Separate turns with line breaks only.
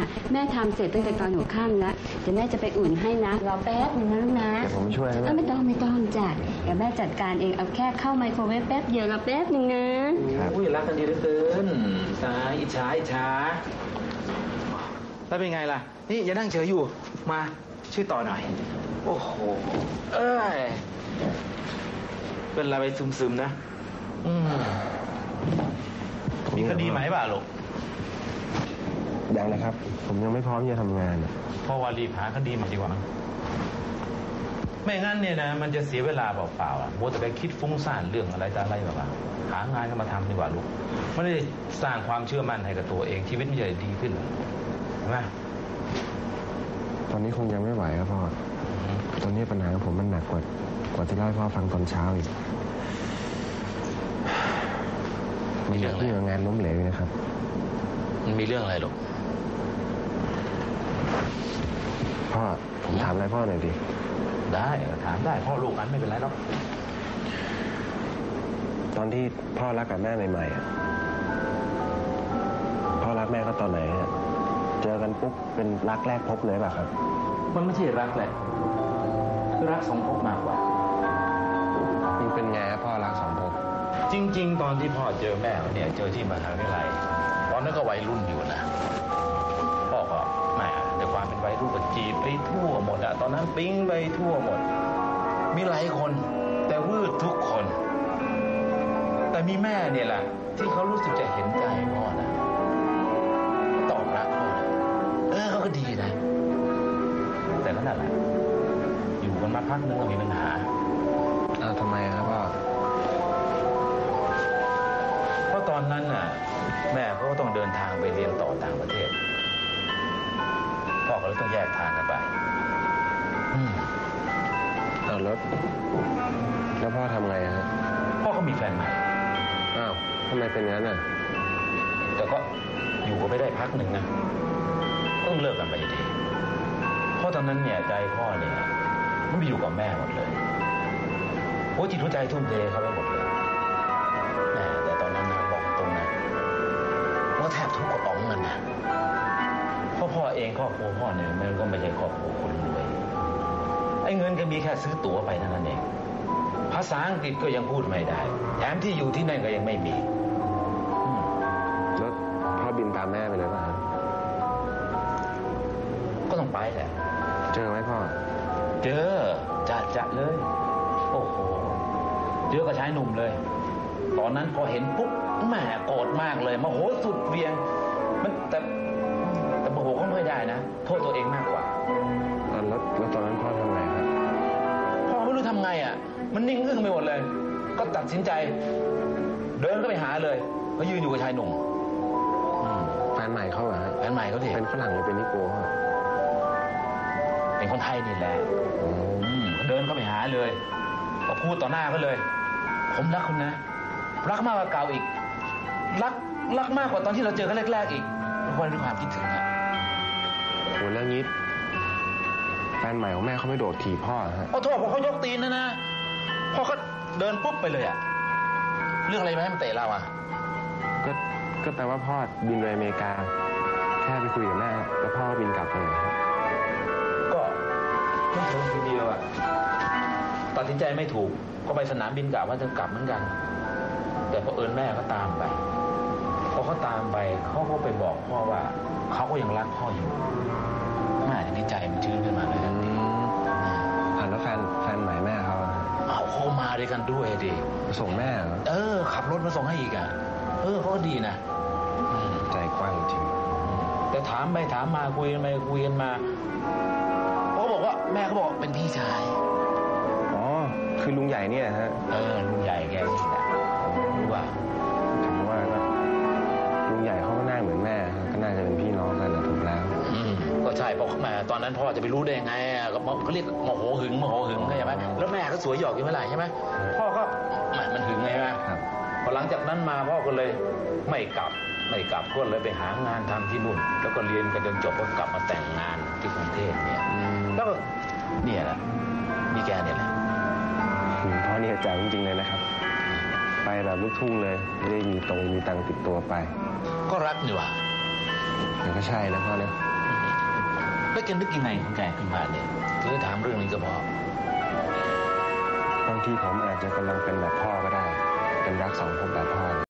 แม่ทำเสร็จตั้งแต่ตอนหัวค่ำแล้วเดี๋ยวแม่จะไปอุ่นให้นะรอแป๊บนึงนะลูกนะ
เดี๋ยวผมช่วยนะ
ไม่ต้องจ้ะเดี๋ยวแม่จัดการเองเอาแค่เข้าไมโครเวฟแป๊บเดียวรอแป๊บนึงนะ
อุ้ยรักกันดีเหลือเกินตายอิจฉาแล้วเป็นไงล่ะนี่อย่านั่งเฉยอยู่มาช่วยต่อหน่อยโอ้โหเป็นอะไรไปซึมๆนะมีคดีไหมบ้าลูก
ยังเลยครับผมยังไม่พร้อมจะทำงาน
เพราะว่ารีบหาคดีมาดีกว่าไม่งั้นเนี่ยนะมันจะเสียเวลาเปล่าๆมัวแต่ไปคิดฟุ้งซ่านเรื่องอะไรต่ออะไรแบบหางานก็มาทำดีกว่าลูกไม่ได้สร้างความเชื่อมั่นให้กับตัวเองชีวิตมันจะดีขึ้นใช่ไหม
ตอนนี้คงยังไม่ไหวครับพ่อตอนนี้ปัญหาของผมมันหนักกว่าที่เล่าให้พ่อฟังตอนเช้าอีกมีเรื่องที่งานล้มเหลวนะครับ
มันมีเรื่องอะไรหรอ
พ่อผมถามอะไรพ่อหน่อยดิ
ได้ถามได้พ่อลูกกันไม่เป็นไรหรอก
ตอนที่พ่อรักกับแม่ใหม่ๆพ่อรักแม่ก็ตอนไหนฮะเจอกันปุ๊บเป็นรักแรกพบเลยป่ะครับ
มันไม่ใช่รักแหละคือรักสองพบมากกว่า
มันเป็นไงพ่อรักสองพบ
จริงๆตอนที่พ่อเจอแม่เนี่ยเจอที่มหาวิทยาลัยตอนนั้นก็วัยรุ่นอยู่นะพ่อก็แม่ในความเป็นวัยรุ่นก็จีบไปทั่วหมดอะตอนนั้นปิ๊งไปทั่วหมดมีหลายคนแต่วืดทุกคนแต่มีแม่เนี่ยแหละที่เขารู้สึกจะเห็นใจพ่อนะตอบรักพ่อนะเขาก็ดีนะแต่ก็นั่นแหละอยู่กันมาพักนึงก็มีปัญหา
ทำไมครับพ่อ
เพราะตอนนั้นน่ะแม่เขาก็ต้องเดินทางไปเรียนต่อต่างประเทศพ่อก็เลยต้องแยกทางกันไป
แล้วพ่อทำไงฮะ
พ่อก็มีแฟนใหม่
อ้าวทำไมเป็นงั้นน่ะ
แต่ก็อยู่ก็ไม่ได้พักหนึ่งนะต้องเลิกกันไปดีเพราะตอนนั้นเนี่ยใจพ่อเนี่ยมันไปอยู่กับแม่หมดเลยโอ้จิตหัวใจทุ่มเทเขาไปหมดเลยแต่ตอนนั้นนะบอกตรงนะว่าแทบทุกกระป๋องเงินนะเพราะพ่อเองครอบครัวพ่อเนี่ยมันก็ไม่ใช่ครอบครัวคนรวยไอ้เงินก็มีแค่ซื้อตั๋วไปเท่านั้นเองภาษาอังกฤษก็ยังพูดไม่ได้แถมที่อยู่ที่นั่นก็ยังไม่มี
แล้วพ่อบินตามแม่ไปเลยป่ะ
ก็ต้องไปแหละ
เจอไหมพ่อ
เจอจะเลยโอ้โหเจอกับชายหนุ่มเลยตอนนั้นพอเห็นปุ๊บแม่โกรธมากเลยโมโหสุดเวียงมันแต่โมโหก็ไม่ได้นะโทษตัวเองมากกว่า
แล้วตอนนั้นพ่อทำไงครับ
พ่อไม่รู้ทำไงอ่ะมันนิ่งอึ้งไปหมดเลยก็ตัดสินใจเดินก็ไปหาเลยเขายืนอยู่กับชายหนุ่ม
แฟนใหม่เขาเหรอฮะ
แฟนใหม่เขาดิ
เป็นฝรั่งหรือเป็นนิโก้
เป็นคนไทยนี่แหละเดินเข้าไปหาเลยก็พูดต่อหน้าเขาเลยผมรักคุณนะรักมากกว่าเก่าอีกรักมากกว่าตอนที่เราเจอกันแรกๆอีกเพราะด้วยความคิดถึงอะ
โหแล้วงี้แฟนใหม่ของแม่เขาไม่โดดถีบพ่อฮะ
โอ้โทษพอเขายกตีนนะพ่อเขาเดินปุ๊บไปเลยอะเรื่องอะไรมาให้มันเตะเราอะ
ก็แปลว่าพ่อบินไปอเมริกาแค่ไปคุยกับแม่แล้วพ่อบินกลับเลย
ก็ไม่ถึงทีเดียวอะตัดสินใจไม่ถูกก็ไปสนามบินกะว่าจะกลับเหมือนกันแต่พอแม่ก็ตามไปพอเขาตามไปเขาก็ไปบอกพ่อว่าเขาก็ยังรักพ่ออยู่แม่ดีใจมันชื้นขึ้นมาเลย
แล้วแฟนใหม่แม่เขา
มาด้วยกันด้วยดิ
มาส่งแม่เหรอ
ขับรถมาส่งให้อีกอ่ะเขาก็ดีนะ
ใจกว้างจริง
แต่ถามไปถามมาคุยกันไปคุยกันมาเขาบอกว่าแม่เขาบอกเป็นพี่ชาย
คือลุงใหญ่เนี่ยฮะ
ลุงใหญ่แกนี่แหละรู้ว่า
ถามว่าลุงใหญ่เขาก็น่าเหมือนแม่ก็น่าจะเป็นพี่น้องกันนะถูกแล้ว
ก็ใช่เพราะแม่ตอนนั้นพ่อจะไปรู้ได้ยังไงก็เขาเรียกโมโหหึงใช่ไหมแล้วแม่ก็สวยหยอกอยู่เมื่อไหร่ใช่ไหมพ่อก็มันหึงไงไหมพอหลังจากนั้นมาพ่อก็เลยไม่กลับก็เลยไปหางานทำที่นู่นแล้วก็เรียนกันจนจบก็กลับมาแต่งงานที่กรุงเทพเนี่ยแล้วก็เนี่ยแหละมีแกเนี่ยแหละ
พ่อนี่แจ๋วจริงๆเลยนะครับไปแบบลูกทุ่งเลยไม่ได้มีตังค์ติดตัวไป
ก็รักนี่หว่า
มันก็ใช่นะพ่อเนี่ย
แล้วแกนึกยังไงของแกขึ้นมาเนี่ยหรือถามเรื่องนี้ก็พอบ
างทีผมอาจจะกำลังเป็นแบบพ่อก็ได้ เป็นรักสองภพแบบพ่อ